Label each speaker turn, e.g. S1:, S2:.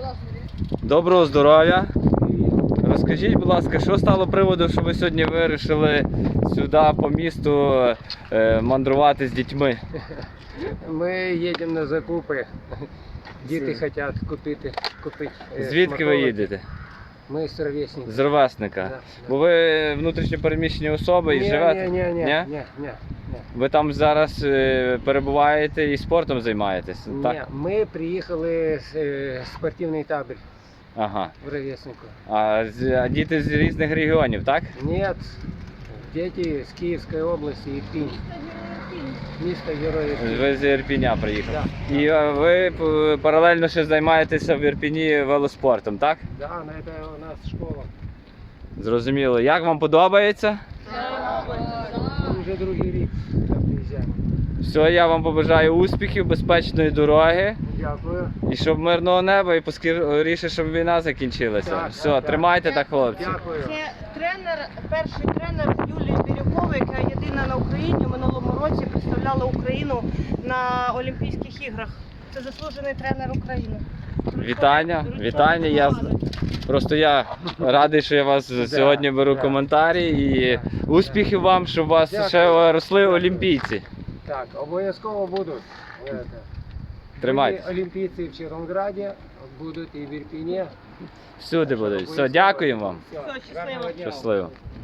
S1: Доброго здоров'я. Розкажіть, будь ласка, що стало приводом, що ви сьогодні вирішили сюди по місту мандрувати з дітьми?
S2: Ми їдемо на закупи. Діти хочуть купити.
S1: Звідки ви їдете?
S2: Ми з ровесника.
S1: З ровесника.
S2: Да.
S1: Бо ви внутрішньо переміщені особи і живете?
S2: Ні.
S1: Ви там зараз перебуваєте і спортом займаєтесь? Так?
S2: Ні, ми приїхали з спортивний табір
S1: Ага.
S2: в ровеснику.
S1: А діти з різних регіонів, так?
S2: Ні, діти з Київської області, Ірпінь. Місто Героїв.
S1: Ви з Ірпіня приїхали.
S2: Да.
S1: І ви паралельно ще займаєтеся в Ірпіні велоспортом, так?
S2: Да, це у нас школа.
S1: Зрозуміло. Як вам подобається?
S2: Ми вже другий рік приїжджаємо.
S1: Все, я вам побажаю успіхів, безпечної дороги.
S2: Дякую.
S1: І щоб мирного неба, і поскоріше, щоб війна закінчилася.
S2: Так,
S1: Все,
S2: так.
S1: тримайте так, хлопці.
S2: Дякую.
S3: Це перший тренер Юлія Бірюкова, яка єдина на Україні в минулому році представляла Україну на Олімпійських іграх. Це заслужений тренер України.
S1: Вітання. Я радий, що я вас сьогодні беру коментарі. І успіхів вам, щоб у вас ще росли олімпійці.
S2: Так, обов'язково будуть.
S1: Тримайтесь.
S2: Олімпійці в Червонограді, будуть і в Ірпіні.
S1: Всюди будуть. Все, дякуємо вам.
S2: Все,
S3: Все, щасливо.
S2: гарного дня.
S1: Щасливо.